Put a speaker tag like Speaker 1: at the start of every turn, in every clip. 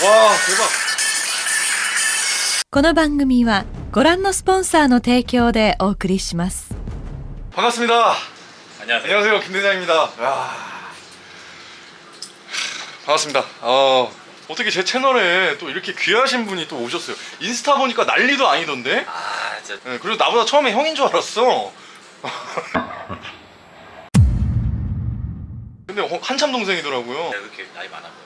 Speaker 1: 와 대박.
Speaker 2: この番組はご覧のスポンサーの提供でお送りします。
Speaker 1: 반갑습니다.
Speaker 3: 안녕하세요.
Speaker 1: 안녕하세요, 김 대장입니다. 야. 반갑습니다. 어떻게 제 채널에 또 이렇게 귀하신 분이 또 오셨어요. 인스타 보니까 난리도 아니던데?
Speaker 3: 아, 진짜
Speaker 1: 네, 그리고 나보다 처음에 형인 줄 알았어. 근데 한참 동생이더라고요.
Speaker 3: 왜 이렇게 나이 많아 보여?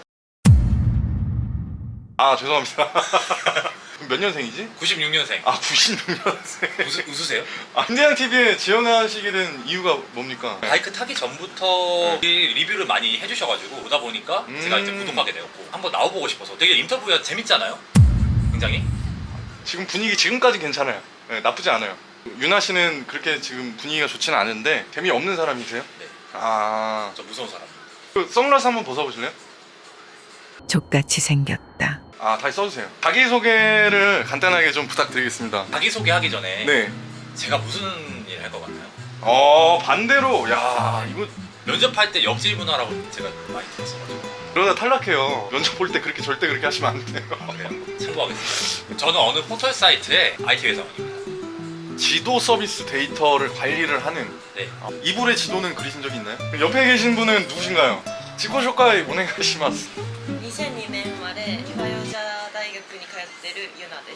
Speaker 1: 아 죄송합니다. 그럼 몇 년생이지?
Speaker 3: 96년생.
Speaker 1: 아 96년생.
Speaker 3: 웃으세요?
Speaker 1: 김대장 TV에 지원하시게 된 이유가 뭡니까?
Speaker 3: 바이크 타기 전부터 리뷰를 많이 해주셔가지고 보다 보니까 제가 이제 구독하게 되었고 한번 나와보고 싶어서. 되게 인터뷰가 재밌잖아요. 굉장히.
Speaker 1: 지금 분위기 지금까지 괜찮아요. 네, 나쁘지 않아요. 유나 씨는 그렇게 지금 분위기가 좋지는 않은데 재미없는 사람이세요?
Speaker 3: 네.
Speaker 1: 아,
Speaker 3: 저 무서운 사람.
Speaker 1: 그 선글라스 한번 벗어보실래요?
Speaker 2: 족같이 생겼다.
Speaker 1: 아 다시 써주세요. 자기소개를 간단하게 좀 부탁드리겠습니다.
Speaker 3: 자기소개하기 전에
Speaker 1: 네.
Speaker 3: 제가 무슨 일 할 것 같나요?
Speaker 1: 반대로 야 이거
Speaker 3: 면접할 때 역질 문화라고 제가 많이 들었어가지고.
Speaker 1: 그러다 탈락해요. 면접 볼 때 그렇게 절대 그렇게 하시면 안 돼요.
Speaker 3: 그래요? 참고하겠습니다. 저는 어느 포털 사이트의 IT 회사원입니다.
Speaker 1: 지도 서비스 데이터를 관리를 하는
Speaker 3: 네.
Speaker 1: 이불의 지도는 그리신 적이 있나요? 옆에 계신 분은 누구신가요? 지코쇼카이 오네가시마스.
Speaker 4: 2002年生まれ岩代大学に通ってるユナです。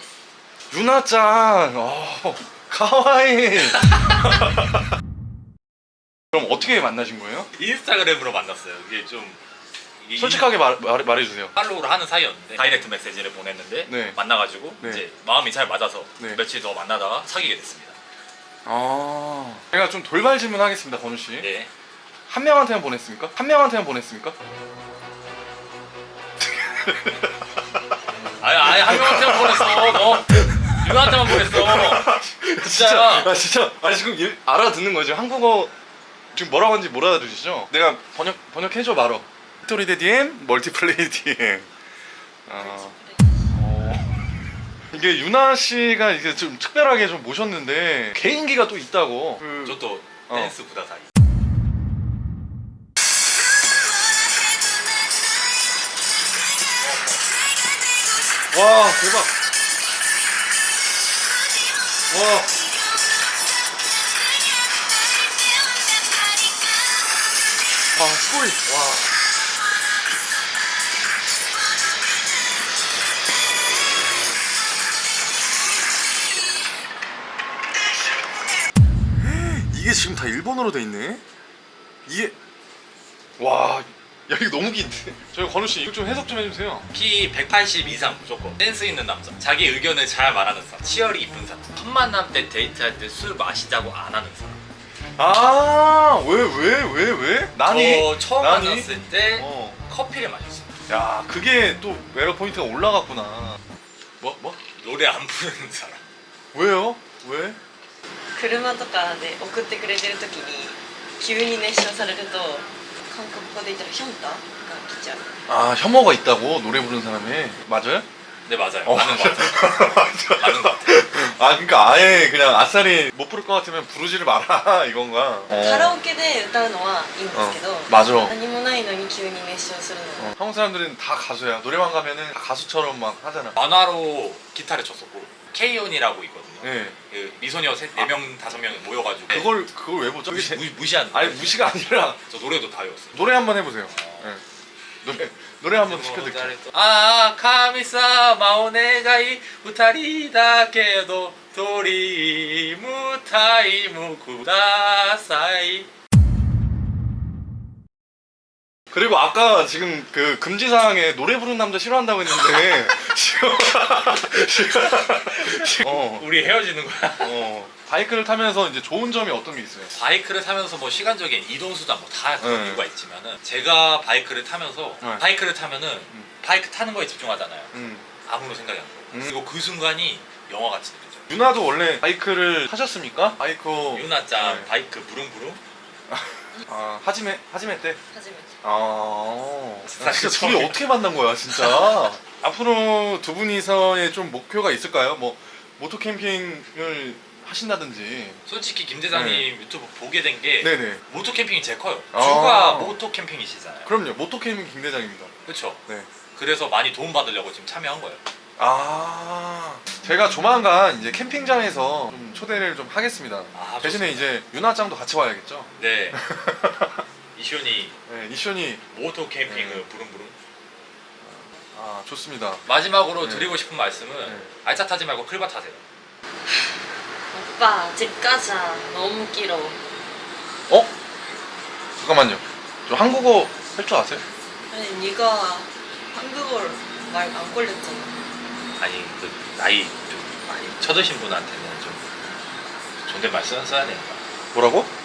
Speaker 1: 유나짱, 가와이. 그럼 어떻게 만나신 거예요?
Speaker 3: 인스타그램으로 만났어요. 이게 좀
Speaker 1: 솔직하게 말해주세요.
Speaker 3: 팔로우를 하는 사이였는데 다이렉트 메시지를 보냈는데
Speaker 1: 네.
Speaker 3: 만나가지고
Speaker 1: 네.
Speaker 3: 이제 마음이 잘 맞아서
Speaker 1: 네.
Speaker 3: 며칠 더 만나다가 사귀게 됐습니다.
Speaker 1: 제가 좀 돌발 질문하겠습니다, 건우 씨.
Speaker 3: 네.
Speaker 1: 한 명한테만 보냈습니까? 한 명한테만 보냈습니까?
Speaker 3: 아니 한 명한테만 보냈어. 너 유나한테만 보냈어. 진짜야.
Speaker 1: 진짜. 아니 지금 알아듣는 거죠? 한국어 지금 뭐라고 하는지 못 알아들으시죠? 내가 번역해줘 말어. 스토리 대 DM, 멀티플레이 DM. 이게 유나 씨가 이게 좀 특별하게 좀 모셨는데 개인기가 또 있다고.
Speaker 3: 저도 댄스 구다사이.
Speaker 1: 와 대박. 와. 스토리. 와. 이게 지금 다 일본어로 돼 있네. 이게 와. 야 이거 너무 긴데. 저희 건우 씨 이거 좀 해석 좀 해주세요.
Speaker 3: 키 180 이상 무조건. 댄스 있는 남자. 자기 의견을 잘 말하는 사람. 치열이 이쁜 사람. 첫 만남 때 데이트할 때 술 마시자고 안 하는 사람.
Speaker 1: 왜? 나니?
Speaker 3: 저 처음
Speaker 1: 나니?
Speaker 3: 만났을 때
Speaker 1: 어.
Speaker 3: 커피를 마셨어요.
Speaker 1: 야 그게 또 매력 포인트가 올라갔구나. 뭐?
Speaker 3: 노래 안 부르는 사람.
Speaker 1: 왜요? 왜?
Speaker 4: 車とかで送ってくれてる時に急に熱唱されると韓国語で言ったらヒョンタが来ちゃう。
Speaker 1: 아 혐오가 있다고 노래 부르는 사람이. 맞아요?
Speaker 3: 네 맞아요.
Speaker 1: 어.
Speaker 3: 맞는 것 같아요. 맞는 것 같아요.
Speaker 1: 아 그러니까 아예 그냥 아싸리 못 부를 것 같으면 부르지를 마라 이건가?
Speaker 4: カラオケで歌うのはいいんですけど、
Speaker 1: 맞아.
Speaker 4: 何もないのに急に熱唱するのは
Speaker 1: 한국 사람들은 다 가수야. 노래방 가면은 다 가수처럼 막 하잖아.
Speaker 3: 만화로 기타를 쳤었고 K-ON이라고 있거든요.
Speaker 1: 네.
Speaker 3: 그 미소녀 4명 5명 모여가지고
Speaker 1: 그걸 왜 보죠?
Speaker 3: 무시하는
Speaker 1: 아니
Speaker 3: 거예요.
Speaker 1: 무시가 아니라
Speaker 3: 저 노래도 다 외웠어요.
Speaker 1: 노래 한번 해보세요. 네. 노래 한번 시켜드릴게요.
Speaker 3: 아 카미사마 오네가이 2人だけどドリームタイムください.
Speaker 1: 그리고 아까 지금 그 금지사항에 노래 부르는 남자 싫어한다고 했는데 지금
Speaker 3: 우리 헤어지는 거야?
Speaker 1: 바이크를 타면서 이제 좋은 점이 어떤 게 있어요?
Speaker 3: 바이크를 타면서 뭐 시간적인 이동 수단 뭐 다 그런
Speaker 1: 네.
Speaker 3: 이유가 있지만은 제가 바이크를 타면서
Speaker 1: 네.
Speaker 3: 바이크를 타면은 바이크 타는 거에 집중하잖아요.
Speaker 1: 음.
Speaker 3: 아무런 생각이 안 들어요. 그리고 그 순간이 영화 같이 느껴져요.
Speaker 1: 유나도 원래 바이크를 타셨습니까? 바이크
Speaker 3: 유나짱
Speaker 1: 네.
Speaker 3: 바이크 부릉부릉?
Speaker 1: 하지메 때?
Speaker 4: 初めて。
Speaker 1: 진짜 둘이 어떻게 만난 거야 진짜. 앞으로 두 분이서의 좀 목표가 있을까요? 뭐 모토 캠핑을 하신다든지.
Speaker 3: 솔직히 김 대장님 유튜브 보게 된 게
Speaker 1: 네네.
Speaker 3: 모토 캠핑이 제일 커요.
Speaker 1: 아.
Speaker 3: 주가 모토 캠핑이시잖아요.
Speaker 1: 그럼요. 모토 캠핑 김 대장입니다.
Speaker 3: 그렇죠.
Speaker 1: 네.
Speaker 3: 그래서 많이 도움 받으려고 지금 참여한 거예요.
Speaker 1: 아, 제가 조만간 이제 캠핑장에서 좀 초대를 좀 하겠습니다.
Speaker 3: 아,
Speaker 1: 대신에
Speaker 3: 좋습니다.
Speaker 1: 이제 유나짱도 같이 와야겠죠?
Speaker 3: 네. 이쇼니
Speaker 1: 네, 이션이
Speaker 3: 모토 캠핑을
Speaker 1: 네.
Speaker 3: 부릉부릉.
Speaker 1: 아, 좋습니다.
Speaker 3: 마지막으로
Speaker 1: 네.
Speaker 3: 드리고 싶은 말씀은
Speaker 1: 네.
Speaker 3: 알차 타지 말고 클바 타세요.
Speaker 4: 오빠 집 가자. 너무 길어.
Speaker 1: 어? 잠깐만요. 저 한국어 할 줄 아세요?
Speaker 4: 아니 네가 한국어를 말 안 걸렸잖아.
Speaker 3: 아니 그 나이 좀 많이 쳐드신 분한테는 좀 존댓말 써야 되니까.
Speaker 1: 뭐라고?